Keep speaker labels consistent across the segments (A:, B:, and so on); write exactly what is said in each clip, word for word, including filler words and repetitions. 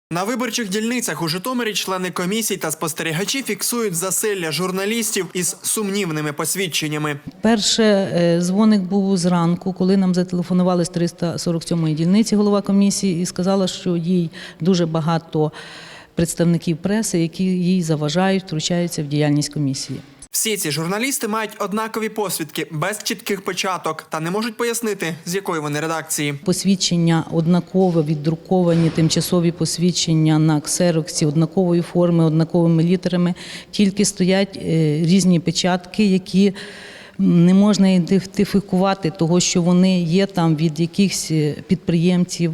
A: На виборчих дільницях у Житомирі члени комісій та спостерігачі фіксують засилля журналістів із сумнівними посвідченнями.
B: Перше дзвоник був зранку, коли нам зателефонували з триста сорок сьомої дільниці голова комісії і сказала, що їй дуже багато представників преси, які їй заважають, втручаються в діяльність комісії.
A: Всі ці журналісти мають однакові посвідки, без чітких початок, та не можуть пояснити, з якої вони редакції.
B: Посвідчення однакове, віддруковані тимчасові посвідчення на ксероксі, однакової форми, однаковими літерами, тільки стоять різні печатки, які не можна ідентифікувати, того, що вони є там від якихось підприємців.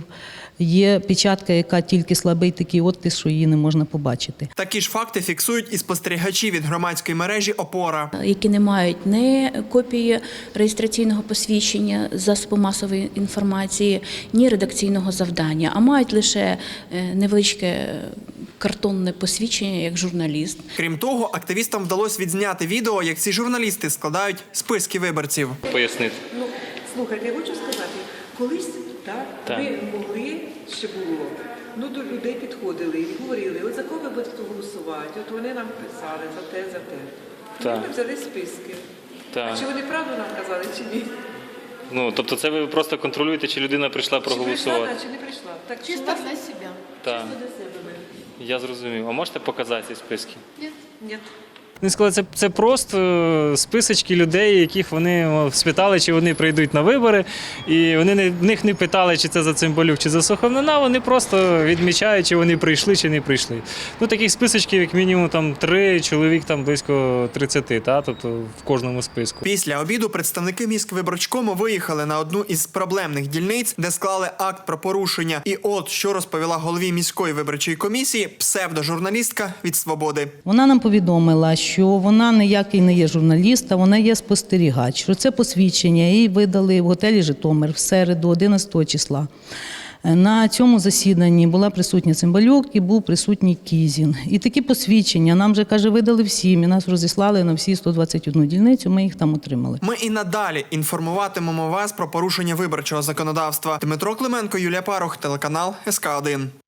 B: Є печатка, яка тільки слабий такий оттиск, що її не можна побачити.
A: Такі ж факти фіксують і спостерігачі від громадської мережі «Опора».
C: Які не мають ні копії реєстраційного посвідчення засобу масової інформації, ні редакційного завдання, а мають лише невеличке картонне посвідчення як журналіст.
A: Крім того, активістам вдалося відзняти відео, як ці журналісти складають списки виборців.
D: Пояснити.
E: Ну, слухайте, я хочу сказати, колись так,
D: Так.
E: ми могли, ще було, ну до людей підходили і говорили, от за кого ви будете голосувати, от вони нам писали за те, за те.
D: Так.
E: Ми взяли списки.
D: Так.
E: А чи вони правду нам казали, чи ні?
D: Ну, тобто це ви просто контролюєте, чи людина прийшла
E: Чи прийшла,
D: проголосувати?
E: да, чи не прийшла. Так,
F: Чисто
E: у вас-
F: для себя.
D: Так,
E: Чисто для себе ми.
D: я зрозумів. А можете показати ці списки?
E: Ні.
G: Вони сказали, це, це просто списочки людей, яких вони о, спитали, чи вони прийдуть на вибори. І вони не, в них не питали, чи це за Цимбалюк, чи за Сухомлина, вони просто відмічають, чи вони прийшли, чи не прийшли. Ну, таких списочків, як мінімум, там три, чоловік там близько тридцяти, та, тобто в кожному списку.
A: Після обіду представники міськвиборчкому виїхали на одну із проблемних дільниць, де склали акт про порушення. І от, що розповіла голові міської виборчої комісії псевдожурналістка від «Свободи».
B: Вона нам повідомила, що вона ніякий не є журналіст, а вона є спостерігач. Що це посвідчення їй видали в готелі «Житомир» в середу, одинадцятого числа. На цьому засіданні була присутня Цимбалюк і був присутній Кізін. І такі посвідчення нам вже, каже, видали всім, і нас розіслали на всі сто двадцять одну дільницю, ми їх там отримали.
A: Ми і надалі інформуватимемо вас про порушення виборчого законодавства. Дмитро Клименко, Юлія Парух, телеканал ес ка один.